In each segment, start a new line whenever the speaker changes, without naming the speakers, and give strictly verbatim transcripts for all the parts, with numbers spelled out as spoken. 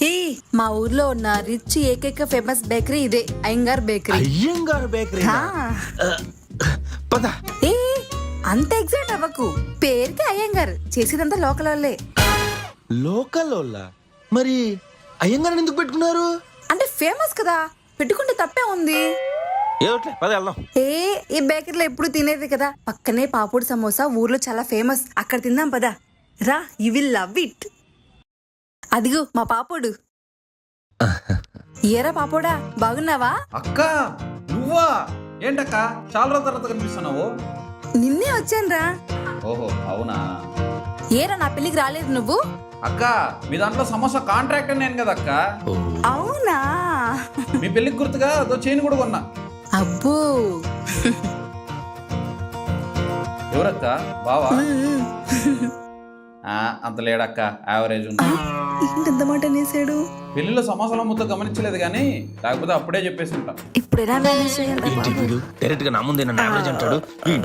ఏ మా ఊర్లో ఉన్న రిచ్ ఏకైక ఫేమస్ బేకరీ ఇదే, అయ్యంగార్ బేకరీ.
అయ్యంగార్ బేకరీ. పద.
ఏ అంత ఎగ్జైట్ అవ్వకు, పేరుకి అయ్యంగార్, చేసేదంతా లోకల్ వాళ్ళే.
లోకల్ వాళ్ళ? మరి అయ్యంగార్ ఎందుకు పెట్టుకున్నారు?
అంటే ఫేమస్ కదా, పెట్టుకుంటే తప్పే ఉంది.
ఏదోట్లే, పద వెళ్దాం.
ఏ ఈ బేకరీలో ఎప్పుడు తినేది కదా, పక్కనే పాపూడి సమోసా ఊర్లో చాలా ఫేమస్, అక్కడ తిందాం పదా. రా, యు విల్ లవ్ ఇట్. అదిగో మా పాపోడు. ఏరా పాపోడా, బాగున్నావా?
అక్క నువ్వా? ఏంటక్క చాలా రోజుల తర్వాత కనిపిస్తున్నావు?
నిన్నే వచ్చానురా.
ఓహో అవునా.
ఏరా నా పెళ్లికి రాలేదు నువ్వు?
అక్క మీ దాంట్లో సమోసా కాంట్రాక్టర్ నేను కదా అక్క.
అవునా?
మీ పెళ్లికి గుర్తుగా అదో చైన్ కూడా కొన్నా.
అబ్బో.
ఎవరక్క? బావా? అంత లేడక్క, యావరేజ్ ఉంది.
ఏంటంత మాట అనేసాడు?
పెళ్లిలో సమోసాల ముద్ద గమనించలేదు కానీ లేకపోతే అప్పుడే చెప్పేసి ఉంటా.
ఇప్పుడు ఎలా మేనేజ్ చేయాలి?
డైరెక్ట్ గా నా ముందే నన్ను యావరేజ్ అంటాడు.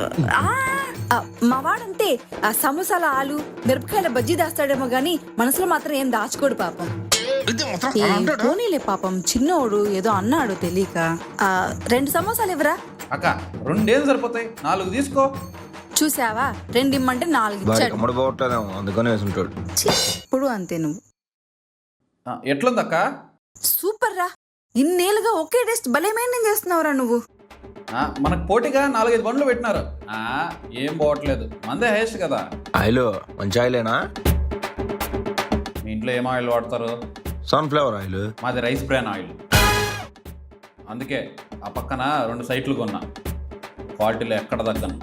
మా వాడంతే, ఆ సమోసాల ఆలు మిరపకాయల బజ్జీ దాస్తాడేమో గానీ మనసులో మాత్రం ఏం దాచుకోడు పాపం. పోనీలే పాపం, చిన్నోడు ఏదో అన్నాడు తెలియక. ఆ రెండు సమోసాలు ఇవ్వరా?
అక్క రెండేం సరిపోతాయి, నాలుగు తీసుకో.
చూసావా, రెండు ఇమ్మంటే నాలుగు ఇచ్చాడు.
అందుకనే వేసుంటాడు.
ఇప్పుడు అంతే నువ్వు.
ఎట్లుందక్క?
సూపర్ రా, ఇన్నేళ్ళుగా ఒకే టెస్ట్ భలే మెయింటైన్ చేస్తున్నావురా నువ్వు.
మనకు పోటీగా నాలుగైదు బండ్లు పెట్టినారు, ఏం పోవట్లేదు, మందే హైయెస్ట్ కదా.
ఆయిల్ మంచి ఆయిలేనా?
మీ ఇంట్లో ఏం ఆయిల్ వాడతారు?
Sunflower oil.
మాది రైస్ బ్రాన్ ఆయిల్. అందుకే ఆ పక్కన రెండు సైట్లు కొన్నా, క్వాలిటీలో ఎక్కడ తగ్గను.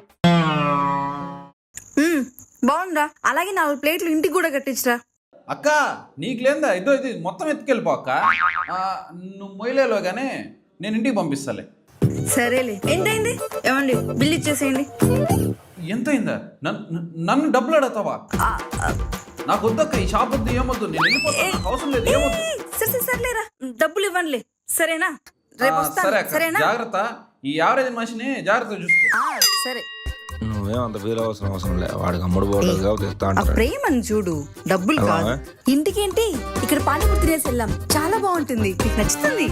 బాగుందా? అలాగే నాలుగు ప్లేట్లు ఇంటికి కూడా కట్టించరా.
అక్క నీకు లేదా ఇదో ఇది మొత్తం ఎత్తుకెళ్ళిపో అక్క. నువ్వు మొయ్యలేలో కానీ నేను ఇంటికి పంపిస్తాలే.
సరేలే, ఎంతైంది? ఏమండి బిల్ ఇచ్చేసేయండి.
ఎంత అయిందా? నన్ను డబ్బులు అడతావా? నాకు వద్దక్క, ఈ షాప్ వద్దు, ఏమొద్దు, నేను వెళ్ళిపోతాను, నాకు అవసరం లేదు, ఏమొద్దు.
సరే సర్లేరా, డబ్బులు ఇవ్వండిలే, సరేనా? రేపు వస్తాను, సరేనా?
జాగ్రత్త, ఈ యావరేజ్ మనిషిని జాగ్రత్తగా చూసుకో.
సరే.
నువ్వేం అంత ఫీల్ అవసరం అవసరం లే, వాడికి అమ్ముడు పోవడం
ప్రేమని చూడు, డబ్బులు కాదు. ఇంటికేంటి, ఇక్కడ పానీపూరి తినేసి వెళ్ళాం, చాలా బాగుంటుంది, నీకు నచ్చుతుంది.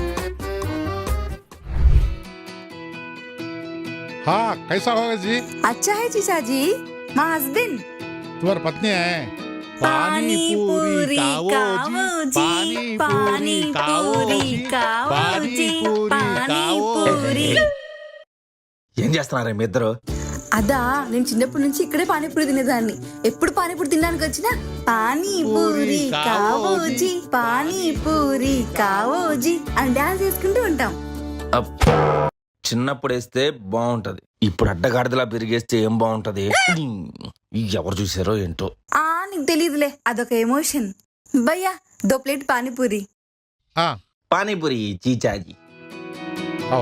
हाँ कैसा होगा जी?
अच्छा है जीजा जी, माँ हस्बैंड
तुम्हारी पत्नी है।
पानी पूरी खाओ जी, पानी पूरी खाओ जी, पानी पूरी.
ఏం చేస్తున్నారా మీ ఇద్దరు?
అదా, నేను చిన్నప్పటి నుంచి ఇక్కడే పానీపూరి తినేదాన్ని. ఎప్పుడు పానీపూరి తినడానికి వచ్చినా పానీపూరి కావోజీ, పానీపూరి కావోజీ అని డాన్స్ చేసుకుంటూ ఉంటాం.
చిన్నప్పుడు వేస్తే బాగుంటది, ఇప్పుడు అడ్డగాడిదలా పెరిగేస్తే ఏం బాగుంటది? ఎవరు చూసారో ఏంటో.
ఆ నీకు తెలియదులే, అదొక ఎమోషన్. భయ్యా దో ప్లేట్ పానీపూరి.
हाँ
పానీపూరి చీచాజీ.
आओ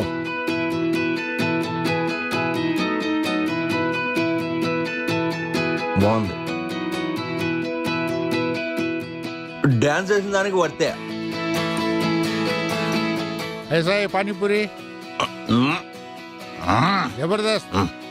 బాగుంది, డాన్స్ చేసిన దానికి వర్తే.
ऐसा है पानी पूरी जबरदस्त।